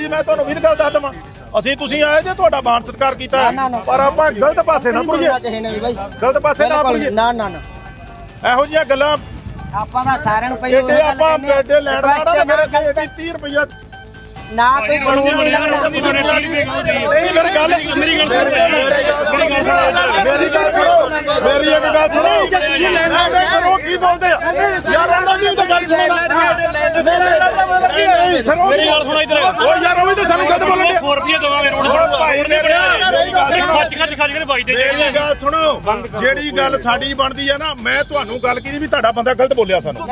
ਜੀ मैं ਤੁਹਾਨੂੰ ਵੀ ਗੱਲ ਦੱਸ ਦਵਾਂ ਅਸੀਂ ਤੁਸੀਂ ਆਏ ਜੇ ਤੁਹਾਡਾ ਮਾਣ ਸਤਿਕਾਰ ਕੀਤਾ ਪਰ ਆਪਾਂ ਗਲਤ ਪਾਸੇ ਨਾ ਤੁਰੀਏ ਗਲਤ ਪਾਸੇ ਨਾ ਤੁਰੀਏ ਨਾ ਨਾ ਨਾ ਇਹੋ ਜਿਹੀਆਂ ਗੱਲਾਂ ਆਪਾਂ ਦਾ ਸਾਰਿਆਂ ਨੂੰ ਪਹਿਲਾਂ ਏਡੇ ਆਪਾਂ ਬੇਡੇ ਲੈਣ ਵਾਲਾ ਤੇ ਮੇਰੇ ਤੇ 30 ਰੁਪਇਆ ਨਾ ਕੋਈ ਕਾਨੂੰਨ ਨਹੀਂ ਲੱਗਣਾ ਨਹੀਂ ਮੇਰੀ ਗੱਲ ਮੇਰੀ ਗੱਲ ਮੇਰੀ ਇੱਕ ਗੱਲ ਸੁਣੋ ਕਰੋ ਕੀ ਬੋਲਦੇ ਆ ਯਾਰ ਇਹਨਾਂ ਦੀ ਤਾਂ ਗੱਲ ਸੁਣੋ ਮੇਰੀ ਗੱਲ ਸੁਣੋ ਇੱਧਰ ਓ ਯਾਰ ਉਹ ਵੀ ਤਾਂ ਸਾਨੂੰ ਗਲਤ ਬੋਲਣ ਦੇ 4 ਰੁਪਏ ਦਵਾਂਗੇ ਰੋਡ ਭਾਈ ਮੇਰੇ ਖੱਚ ਕੇ ਭਾਈ ਦੇ ਮੇਰੀ ਗੱਲ ਸੁਣੋ ਜਿਹੜੀ ਗੱਲ ਸਾਡੀ ਬਣਦੀ ਆ ਨਾ ਮੈਂ ਤੁਹਾਨੂੰ ਗੱਲ ਕੀਤੀ ਵੀ ਤੁਹਾਡਾ ਬੰਦਾ ਗਲਤ ਬੋਲਿਆ ਸਾਨੂੰ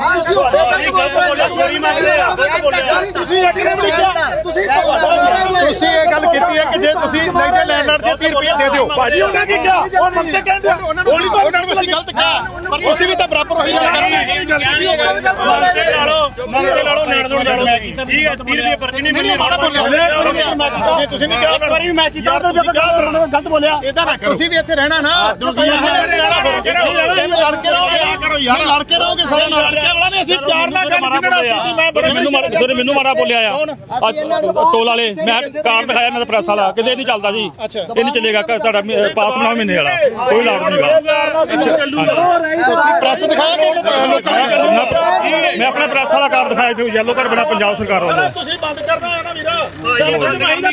ਤੁਸੀਂ ਇੱਕ ਨੇ ਵੀ ਕਿਹਾ ਤੁਸੀਂ ਇਹ ਗੱਲ ਕੀਤੀ ਹੈ ਕਿ ਜੇ ਤੁਸੀਂ ਲੈਂਦੇ ਲੈਂਡਰ ਦੇ 30 ਰੁਪਏ ਦੇ ਦਿਓ ਭਾਜੀ ਉਹਨਾਂ ਕੀ ਕਿਹਾ ਉਹ ਮੰਗਤੇ ਕਹਿੰਦੇ ਉਹਨਾਂ ਨੂੰ ਅਸੀਂ ਗਲਤ ਕਿਹਾ ਪਰ ਤੁਸੀਂ ਵੀ ਤਾਂ ਬਰਾਬਰ ਉਹੀ ਗੱਲ ਕਰਨੀ ਮੰਗਤੇ ਲਾਲੋ ਲੈਣ ਦੋਣ ਜਾਣੋ ਠੀਕ ਹੈ 30 ਰੁਪਏ ਪਰਚੀ ਨਹੀਂ ਮਿਲਣੀ ਤੁਸੀਂ ਨਹੀਂ ਕਿਹਾ ਇੱਕ ਵਾਰੀ ਵੀ ਮੈਂ ਕੀਤਾ ਗਲਤ ਬੋਲਿਆ ਇਦਾਂ ਨਾ ਕਰੋ ਤੁਸੀਂ ਵੀ ਇੱਥੇ ਰਹਿਣਾ ਨਾ ਲੜ ਕੇ ਰਹੋਗੇ ਯਾਰ ਲੜ ਕੇ ਰਹੋਗੇ ਸਾਰੇ ਨਾਲ ਲੜਕੇ ਵਾਲਾ ਨੇ ਅਸੀਂ ਪਿਆਰ ਨਾਲ ਗੱਲ ਛਿੜਣਾ ਮੈਨੂੰ ਮਾਰਾ ਬੋਲਿਆ ਆ ਟੋਲ ਵਾਲੇ ਮੈਂ ਕਾਰਡ ਦਿਖਾਇਆ ਮੈਂ ਪ੍ਰੈਸ ਵਾਲਾ ਕਿਤੇ ਨਹੀਂ ਚੱਲਦਾ ਜੀ ਇਹ ਨਹੀਂ ਚੱਲੇਗਾ ਤੁਹਾਡਾ ਪਾਸ ਬਣਾਓ ਮਹੀਨੇ ਵਾਲਾ ਕੋਈ ਲਾੜ ਨਹੀਂਗਾ ਪ੍ਰੈਸ ਦਿਖਾਇਆ ਮੈਂ ਆਪਣਾ ਪ੍ਰੈਸ ਵਾਲਾ ਕਾਰਡ ਦਿਖਾਇਆ ਜੋ ਯੈਲੋ ਕਾਰਡ ਬਣਾ ਪੰਜਾਬ ਸਰਕਾਰ ਵੱਲੋਂ ਤੁਸੀਂ ਬੰਦ ਕਰਨਾ ਹੈ ਨਾ ਵੀਰਾ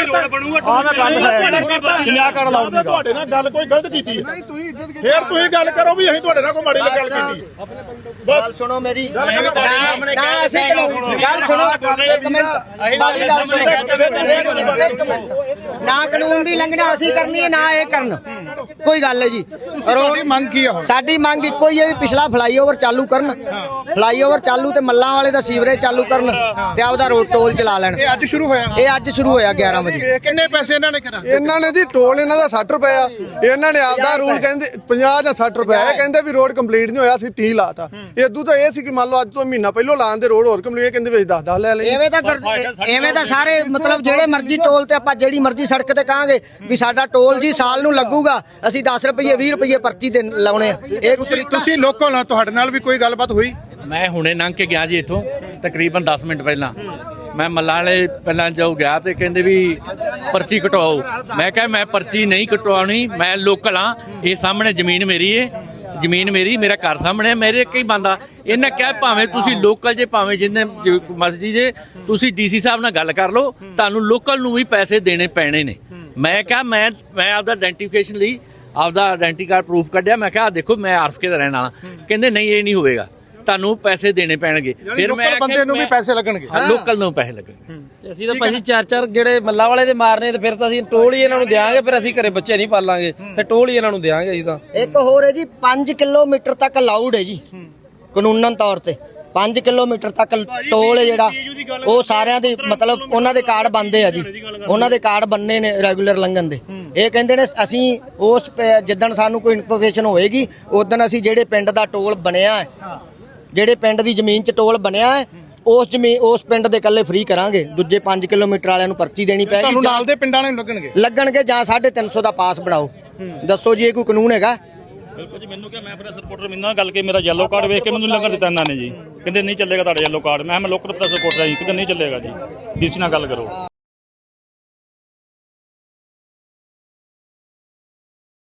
ਤੁਹਾਡੇ ਨਾਲ ਗੱਲ ਕੋਈ ਗਲਤ ਕੀਤੀ ਹੈ ਫਿਰ ਤੁਸੀਂ ਗੱਲ ਕਰੋ ਵੀ ਅਸੀਂ ਤੁਹਾਡੇ ਨਾਲ ਕੋਈ ਮਾੜੀ ਗੱਲ ਕੀਤੀ ਬਸ ਸੁਣੋ ਮੇਰੀ ਨਾ ਅਸੀਂ ਗੱਲ ਸੁਣੋ ਇੱਕ ਮਿੰਟ ਨਾ ਕਾਨੂੰਨ ਦੀ ਲੰਘਣਾ ਅਸੀਂ ਕਰਨੀ ਹੈ ਨਾ ਇਹ ਕਰਨ ਕੋਈ ਗੱਲ ਹੈ ਜੀ ਮੰਗ ਕੀ ਹੈ ਸਾਡੀ ਮੰਗ ਇੱਕੋ ਹੀ ਹੈ ਵੀ ਪਿਛਲਾ ਫਲਾਈਓਵਰ ਚਾਲੂ ਕਰਨ ਫਲਾਈਓਵਰ ਚਾਲੂ ਤੇ ਮੱਲਾਂ ਵਾਲੇ ਦਾ ਸੀਵਰੇਜ ਚਾਲੂ ਕਰਨ ਤੇ ਆਪਦਾ ਰੋਡ ਟੋਲ ਚਲਾ ਲੈਣ ਇਹ ਅੱਜ ਸ਼ੁਰੂ ਹੋਇਆ ਇਹ ਅੱਜ ਸ਼ੁਰੂ ਹੋਇਆ 11 ਵਜੇ ਕਿੰਨੇ ਪੈਸੇ ਇਹਨਾਂ ਨੇ ਕਰਾ ਇਹਨਾਂ ਨੇ ਜੀ ਟੋਲ ਇਹਨਾਂ ਦਾ 60 ਰੁਪਏ ਆ ਇਹਨਾਂ ਨੇ ਆਪਦਾ ਰੂਲ ਕਹਿੰਦੇ 50 ਜਾਂ 60 ਰੁਪਏ ਇਹ ਕਹਿੰਦੇ ਵੀ ਰੋਡ ਕੰਪਲੀਟ ਨਹੀਂ ਹੋਇਆ ਅਸੀਂ 30 ਲਾਤਾ ਇਦੋਂ ਤਾਂ ਇਹ ਸੀ ਕਿ ਮੰਨ ਲਓ ਅੱਜ ਤੋਂ ਮਹੀਨਾ ਪਹਿਲਾਂ ਲਾਣ ਦੇ ਰੋਡ ਹੋਰ ਕੰਪਲੀਟ ਕਹਿੰਦੇ ਵਿੱਚ 10 ਲੈ ਲਈ ਐਵੇਂ ਤਾਂ ਸਾਰੇ ਮਤਲਬ ਜਿਹੜੇ ਮਰਜ਼ੀ ਟੋਲ ਤੇ ਆਪਾਂ ਜਿਹੜੀ ਮਰਜ਼ੀ ਸੜਕ ਤੇ ਕਹਾਂਗੇ ਵੀ ਸਾਡਾ ਟੋਲ ਜੀ ਸਾਲ ਨੂੰ ਲੱਗੂਗਾ ਅਸੀਂ 10 ਰੁਪਏ 20 ਰੁਪਏ ਪਰਚੀ ਤੇ ਲਾਉਣੇ ਆ ਇਹ ਤੁਸੀਂ ਲੋਕਾਂ ਨਾਲ ਤੁਹਾਡੇ ਨਾਲ ਵੀ ਕੋਈ ਗੱਲਬਾਤ ਹੋਈ ਮੈਂ ਹੁਣੇ ਲੰਘ ਕੇ ਗਿਆ ਜੀ ਇੱਥੋਂ ਤਕਰੀਬਨ 10 ਮਿੰਟ ਪਹਿਲਾਂ ਮੈਂ ਮੱਲਾਂ ਵਾਲੇ ਪਹਿਲਾਂ ਜੋ ਗਿਆ ਤੇ ਕਹਿੰਦੇ ਵੀ ਪਰਚੀ ਕਟਵਾਓ ਮੈਂ ਕਿਹਾ ਮੈਂ ਪਰਚੀ ਨਹੀਂ ਕਟਵਾਉਣੀ ਮੈਂ ਲੋਕਲ ਹਾਂ ਇਹ ਸਾਹਮਣੇ ਜ਼ਮੀਨ ਮੇਰੀ ਏ ਜ਼ਮੀਨ ਮੇਰੀ ਮੇਰਾ ਘਰ ਸਾਹਮਣੇ ਮੇਰੇ ਕਈ ਬੰਦਾ ਇਹਨਾਂ ਕਿਹਾ ਭਾਵੇਂ ਤੁਸੀਂ ਲੋਕਲ ਜੇ ਭਾਵੇਂ ਜਿੰਨੇ ਮਸਜਿਦ ਜੇ ਤੁਸੀਂ ਡੀਸੀ ਸਾਹਿਬ ਨਾਲ ਗੱਲ ਕਰ ਲਓ ਤੁਹਾਨੂੰ ਲੋਕਲ ਨੂੰ ਵੀ ਪੈਸੇ ਦੇਣੇ ਪੈਣੇ ਨੇ ਮੈਂ ਕਿਹਾ ਮੈਂ ਆਪਦਾ ਆਇਡੈਂਟੀਫਿਕੇਸ਼ਨ ਲਈ ਆਪਦਾ ਆਇਡੈਂਟੀ ਕਾਰਡ ਪ੍ਰੂਫ ਕੱਢਿਆ ਮੈਂ ਕਿਹਾ ਦੇਖੋ ਮੈਂ ਆਰਫਕੇ ਦਾ ਰਹਿਣ ਵਾਲਾ ਕਹਿੰਦੇ ਨਹੀਂ ਇਹ ਨਹੀਂ ਹੋਵੇਗਾ ਤੁਹਾਨੂੰ ਪੈਸੇ ਦੇਣੇ ਪੈਣਗੇ ਫਿਰ ਮੈਂ ਬੰਦੇ ਨੂੰ ਵੀ ਪੈਸੇ ਲੱਗਣਗੇ ਲੋਕਲ ਨੂੰ ਪੈਸੇ ਲੱਗਣਗੇ ਅਸੀਂ ਤਾਂ ਭਾਜੀ ਚਾਰ ਜਿਹੜੇ ਮੱਲਾ ਵਾਲੇ ਦੇ ਮਾਰਨੇ ਤੇ ਫਿਰ ਤਾਂ ਅਸੀਂ ਟੋਲ ਹੀ ਇਹਨਾਂ ਨੂੰ ਦੇਾਂਗੇ ਫਿਰ ਅਸੀਂ ਘਰੇ ਬੱਚੇ ਨਹੀਂ ਪਾਲਾਂਗੇ ਫਿਰ ਟੋਲ ਹੀ ਇਹਨਾਂ ਨੂੰ ਦੇਾਂਗੇ ਅਸੀਂ ਤਾਂ ਇੱਕ ਹੋਰ ਹੈ ਜੀ 5 ਕਿਲੋਮੀਟਰ ਤੱਕ ਅਲਾਉਡ ਹੈ ਜੀ ਕਾਨੂੰਨਨ ਤੌਰ ਤੇ 5 ਕਿਲੋਮੀਟਰ ਤੱਕ ਟੋਲ ਹੈ ਜਿਹੜਾ ਉਹ ਸਾਰਿਆਂ ਦੇ ਮਤਲਬ ਉਹਨਾਂ ਦੇ ਕਾਰਡ ਬਣਦੇ ਆ ਜੀ ਉਹਨਾਂ ਦੇ ਕਾਰਡ ਬੰਨੇ ਨੇ ਰੈਗੂਲਰ ਲੰਘਣ ਦੇ ਇਹ ਕਹਿੰਦੇ ਨੇ ਅਸੀਂ ਉਸ ਜਿੱਦਣ ਸਾਨੂੰ ਕੋਈ ਇਨਫੋਰਮੇਸ਼ਨ ਹੋਏਗੀ ਉਦੋਂ ਅਸੀਂ ਜਿਹੜੇ ਪਿੰਡ ਦਾ ਟੋਲ ਬਣਿਆ ਹੈ ਜਿਹੜੇ ਪਿੰਡ ਦੀ ਜ਼ਮੀਨ 'ਚ ਟੋਲ ਬਣਿਆ ਹੈ ਉਸ ਪਿੰਡ ਦੇ ਇਕੱਲੇ ਫ੍ਰੀ ਕਰਾਂਗੇ ਦੂਜੇ 5 ਕਿਲੋਮੀਟਰ ਵਾਲਿਆਂ ਨੂੰ ਪਰਚੀ ਦੇਣੀ ਪੈਗੀ ਤੁਹਾਨੂੰ ਨਾਲ ਦੇ ਪਿੰਡਾਂ ਨੂੰ ਲੱਗਣਗੇ ਜਾਂ 350 ਦਾ ਪਾਸ ਬਣਾਓ ਦੱਸੋ ਜੀ ਇਹ ਕੋਈ ਕਾਨੂੰਨ ਹੈਗਾ ਬਿਲਕੁਲ ਜੀ ਮੈਨੂੰ ਕਿਹਾ ਮੈਂ ਪ੍ਰੈਸ ਰਿਪੋਰਟਰ ਮੈਨੂੰ ਗੱਲ ਕੇ ਮੇਰਾ ਯੈਲੋ ਕਾਰਡ ਵੇਖ ਕੇ ਮੈਨੂੰ ਲੱਗਣ ਦਿੱਤਾ ਇਹਨਾਂ ਨੇ ਜੀ ਕਹਿੰਦੇ ਨਹੀਂ ਚੱਲੇਗਾ ਤੁਹਾਡਾ ਯੈਲੋ ਕਾਰਡ ਮੈਂ ਲੋਕਲ ਪ੍ਰੈਸ ਰਿਪੋਰਟਰ ਹਾਂ ਜੀ ਕਿਤੇ ਨਹੀਂ ਚੱਲੇਗਾ ਜੀ ਡੀਸੀ ਨਾਲ ਗੱਲ ਕਰੋ